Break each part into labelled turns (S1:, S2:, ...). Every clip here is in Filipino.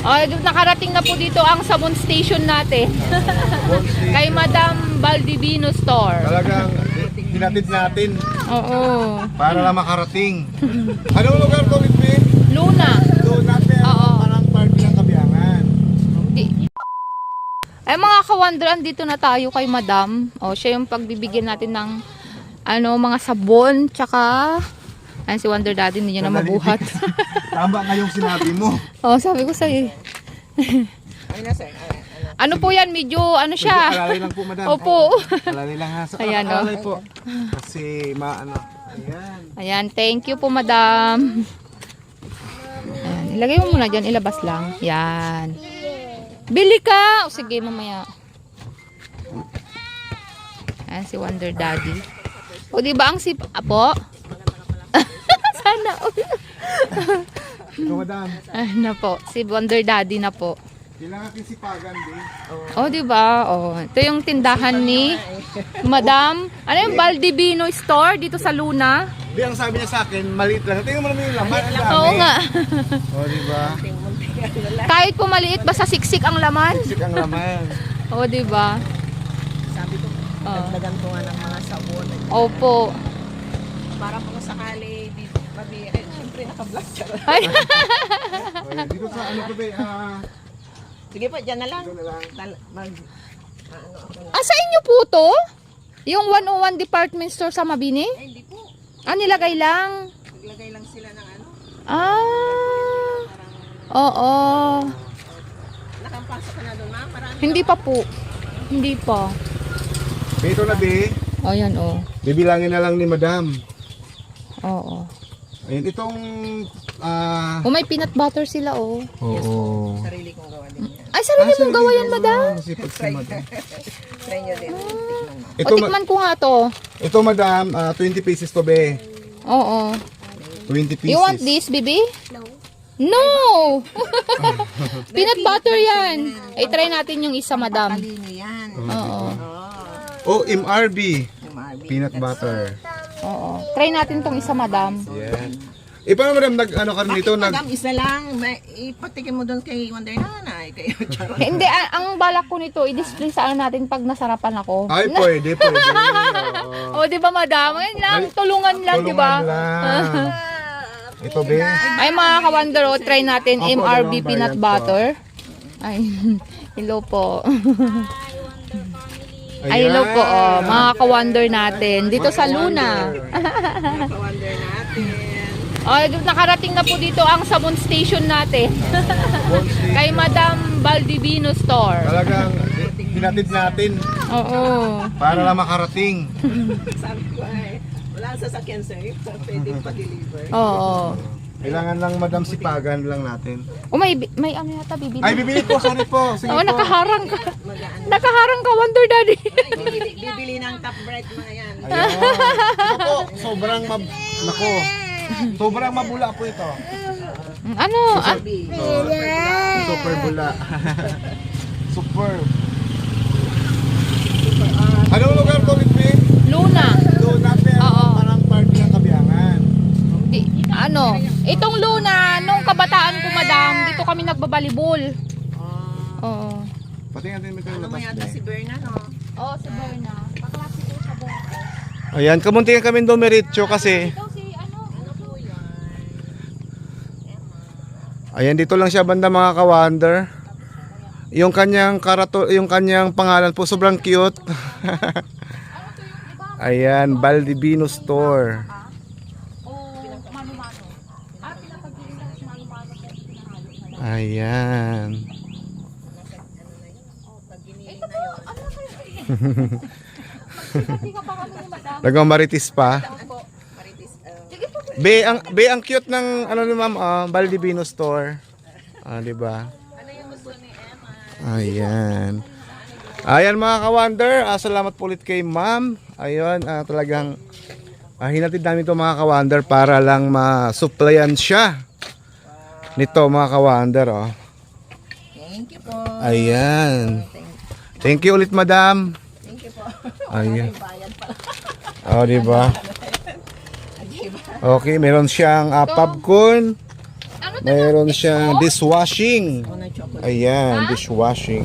S1: Nakarating na po dito ang sabon station natin. Kay Madam Baldivino Store.
S2: Talagang hinatid natin
S1: Oo.
S2: para lang makarating. Anong lugar to, Whitby?
S1: Luna.
S2: Luna, pero
S1: Oo.
S2: parang park ng Kabiangan.
S1: Ay mga kawanderan, dito na tayo kay Madam. Siya yung pagbibigyan natin ng mga sabon, tsaka si Wonder Daddy, hindi niya na mabuhat.
S2: Tama nga yung sinabi mo.
S1: Sabi ko sa'yo. Ano po yan? Medyo siya.
S2: Alalay lang po, madam.
S1: Opo.
S2: Alalay lang ha.
S1: Ayan,
S2: Alalay po. Kasi Ayan.
S1: Ayan, thank you po, Madam. Ayan, ilagay mo muna dyan, ilabas lang. Yan. Bili ka! Sige, mamaya. Ayan, si Wonder Daddy. Diba ang Apo? Sana.
S2: Ito, madam.
S1: Na po, si Wonder Daddy na po.
S2: Kailangan kisipagan din.
S1: Diba? Ito yung tindahan ni Madam. Ano yung Baldivino Store dito sa Luna?
S2: Di, ang sabi niya sa akin, maliit lang. Tingnan mo naman yung laman. Ang dami.
S1: Oo nga.
S2: Diba?
S1: Kahit po maliit, basta siksik ang laman.
S2: Siksik ang laman.
S1: Diba?
S3: Sabi ko, dagdagan ko nga ng mga sabon.
S1: Opo.
S3: Para kung sakali, siyempre naka-black siya.
S1: Ay.
S2: Dito sa ano to, be?
S3: Sige pa, dyan na lang.
S2: Dito na lang.
S1: Sa inyo po to? Yung 101 department store sa Mabini?
S3: Hindi po.
S1: Nilagay lang.
S3: Naglagay lang sila ng
S1: Oo.
S3: Nakampasok ka na doon, ma'am? Marami.
S1: Hindi pa po. Hindi pa.
S2: Dito na, be.
S1: Ayan,
S2: Bibilangin na lang ni madam.
S1: Oo.
S2: Ayun, itong...
S1: May peanut butter sila,
S2: Oo.
S3: Sarili kong gawa din yan.
S1: Ay, sarili mong gawa yan, Madam.
S2: Masipag si madam.
S3: Try nyo din. Tikman mo.
S2: Ito,
S1: Tikman ko nga to.
S2: ito, madam, 20 pieces to, be.
S1: Oo.
S2: 20 pieces.
S1: You want this, baby? No! Peanut butter yan. Try natin yung isa, Madam.
S3: Talino yan.
S1: Oo.
S2: MRB.
S3: MRB.
S2: Peanut butter.
S1: Oo. Try natin tong isa, Madam.
S2: Yan. Paano, madam, ka rin dito?
S3: Madam, isa lang. Ipatikin mo doon kay Wonder Nanay. Kay Charot.
S1: Hindi, ang balak ko nito, i-display sa natin pag nasarapan ako.
S2: Ay, pwede.
S1: Di ba, Madam? Ayun lang, tulungan lang, di ba?
S2: Lang. Ito, be.
S1: Ay, mga ka-wonder, try natin
S2: Opo,
S1: MRB
S2: dalawang
S1: peanut
S2: variant po.
S1: butter. Ay, hello po. Ay, hello po, mga ka-wonder natin. Dito sa Luna.
S3: Wonder natin.
S1: Nakarating na po dito ang sabon station natin. Kay Madam Baldivino Store.
S2: Talagang hinatid natin
S1: Oo.
S2: para lang makarating.
S3: Sabi ko wala sa sasakyan, sir. So, pwedeng pa-deliver.
S1: Oo.
S2: Kailangan lang, madam, sipagan lang natin.
S1: May ano yata bibili.
S2: Ay, bibili po. Sorry po. Sige po.
S1: Nakaharang ka. Nakaharang ka, Wonder Daddy.
S3: Bibili ng top bright mga yan.
S2: Ayan. Ito po, sobrang sobrang mabula po ito.
S1: Ano?
S2: Super bula. Super. Anong lugar to, Whitby?
S1: Luna.
S2: Luna, pero
S1: Oo.
S2: parang park ng Kabiangan.
S1: Itong Luna, nung kabataan ko, Madam, dito kami nagbabalibol. Oo.
S2: Pati natin may
S3: Ano mo
S2: labas
S3: yata si Berna, no?
S1: Oo, si Berna. Kaklase ko sa Berna.
S2: Ayan, kamuntingan kami dumiretso kasi.
S1: Ito si
S3: Ano po yan?
S2: Ayan, dito lang siya banda, mga ka-wonder. Yung kanyang pangalan po sobrang cute. Ayan, Baldivino Store.
S1: mano-mano. Pinapagpilitan sa mano-mano.
S2: Ayan. Nagmamaritis pa. Be ang cute ng ano ni ma'am, Baldivino Store. Di ba? Ayan. Ayan mga ka-wonder, salamat po ulit kay ma'am. Ayun, talagang hinatid namin ito mga ka-wonder para lang ma-supplyan siya nito mga ka-wonder.
S3: Thank you po.
S2: Ayan. Thank you ulit, madam.
S3: Thank you po.
S2: Ayan.
S3: Bayad pala.
S2: Di ba?
S3: Diba?
S2: Okay, meron siyang popcorn. Mayroon siyang dishwashing.
S3: Ako ng chocolate.
S2: Ayan, dishwashing.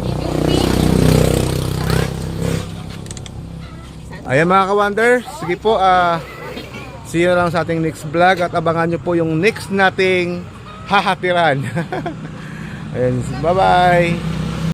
S2: Ayan mga ka-wonder, sige po, see you lang sa ating next vlog at abangan nyo po yung next nating hahatiran. Ayan, bye-bye!